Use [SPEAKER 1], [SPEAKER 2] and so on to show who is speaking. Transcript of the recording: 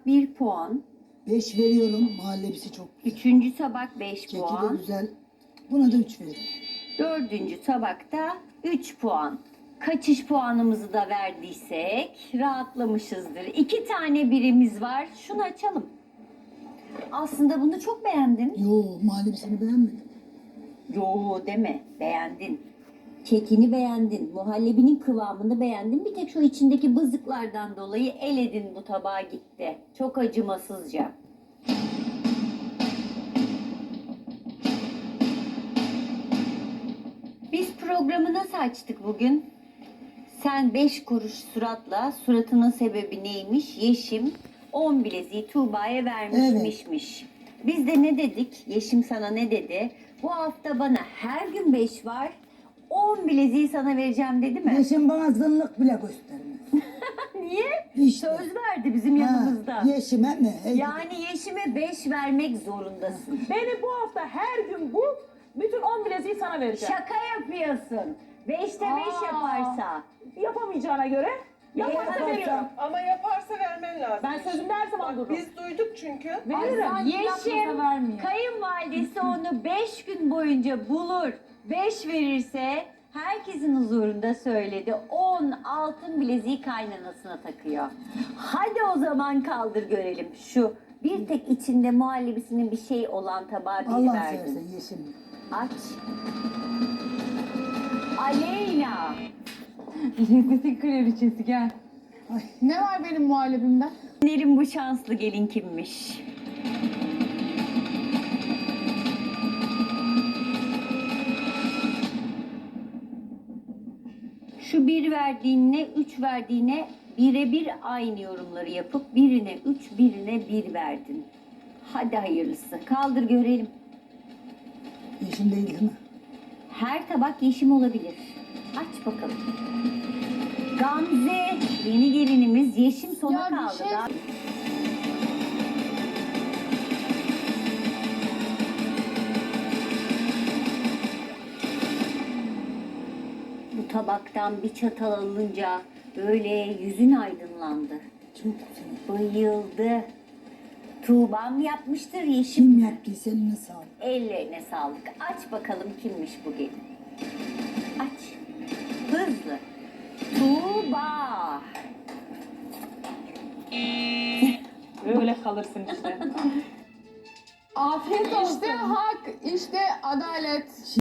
[SPEAKER 1] 1 puan.
[SPEAKER 2] 5 veriyorum. Muhallebisi çok güzel.
[SPEAKER 1] 3. tabak 5
[SPEAKER 2] Keki de
[SPEAKER 1] puan.
[SPEAKER 2] güzel. Buna da 3 veririm.
[SPEAKER 1] 4. tabakta 3 puan. Kaçış puanımızı da verdiysek rahatlamışızdır. 2 tane birimiz var. Şunu açalım. Aslında bunu çok beğendin.
[SPEAKER 2] Yo, muhallebisini beğenmedim.
[SPEAKER 1] Yo deme, beğendin. Kekini beğendin, muhallebinin kıvamını beğendin. Bir tek şu içindeki bızıklardan dolayı eledin, bu tabağa gitti. Çok acımasızca. Biz programı nasıl açtık bugün? Sen 5 kuruş suratla, suratının sebebi neymiş? Yeşim 10 bileziği Tuğba'ya vermişmişmiş. Biz de ne dedik? Yeşim sana ne dedi? Bu hafta bana her gün 5 var. 10 bileziği sana vereceğim dedi mi?
[SPEAKER 2] Yeşim bana zınlık bile göstermez.
[SPEAKER 1] Niye?
[SPEAKER 2] İşte.
[SPEAKER 1] Söz verdi bizim yanımızda.
[SPEAKER 2] Ha, Yeşime mi?
[SPEAKER 1] Yani Yeşim'e 5 vermek zorundasın.
[SPEAKER 3] Beni bu hafta her gün bul, bütün 10 bileziği sana vereceğim.
[SPEAKER 1] Şaka yapıyorsun. 5'te 5
[SPEAKER 3] Aa.
[SPEAKER 1] yaparsa.
[SPEAKER 3] Yapamayacağına göre yaparsa
[SPEAKER 2] Yaparsa.
[SPEAKER 3] veriyorum.
[SPEAKER 4] Ama yaparsa vermen lazım.
[SPEAKER 3] Ben sözümde her zaman dururum.
[SPEAKER 4] Biz duyduk çünkü.
[SPEAKER 3] Veririm.
[SPEAKER 1] Yeşim kayınvalidesi onu 5 gün boyunca bulur. 5 verirse herkesin huzurunda söyledi. 10 altın bileziği kaynanasına takıyor. Hadi o zaman kaldır görelim. Şu bir tek içinde muhallebisinin bir şey olan tabağı bir
[SPEAKER 2] Allah
[SPEAKER 1] verdin.
[SPEAKER 2] seversen Yeşim.
[SPEAKER 1] Aç. Aleyna.
[SPEAKER 5] Lezzetin kraliçesi gel.
[SPEAKER 2] Ay.
[SPEAKER 5] Ne var benim muhallebimden?
[SPEAKER 1] Nerin bu şanslı gelin kimmiş? Şu 1 verdiğine, 3 verdiğine birebir aynı yorumları yapıp birine 3, birine 1 verdin. Hadi hayırlısı. Kaldır görelim.
[SPEAKER 2] Yeşim değil mi?
[SPEAKER 1] Her tabak yeşim olabilir. Aç bakalım. Gamze, yeni gelinimiz yeşim sona
[SPEAKER 5] Ya bir
[SPEAKER 1] kaldı.
[SPEAKER 5] şey-
[SPEAKER 1] Daha- Bu tabaktan bir çatal alınca böyle yüzün aydınlandı.
[SPEAKER 2] Çok güzel.
[SPEAKER 1] Bayıldı. Tuğba'm yapmıştır yeşim.
[SPEAKER 2] Kim yaptıysa eline sağlık.
[SPEAKER 1] Ellerine sağlık. Aç bakalım kimmiş bu gelin. Aç. Hızlı. Tuğba.
[SPEAKER 3] Öyle kalırsın işte.
[SPEAKER 5] Afiyet olsun. İşte hak, işte adalet.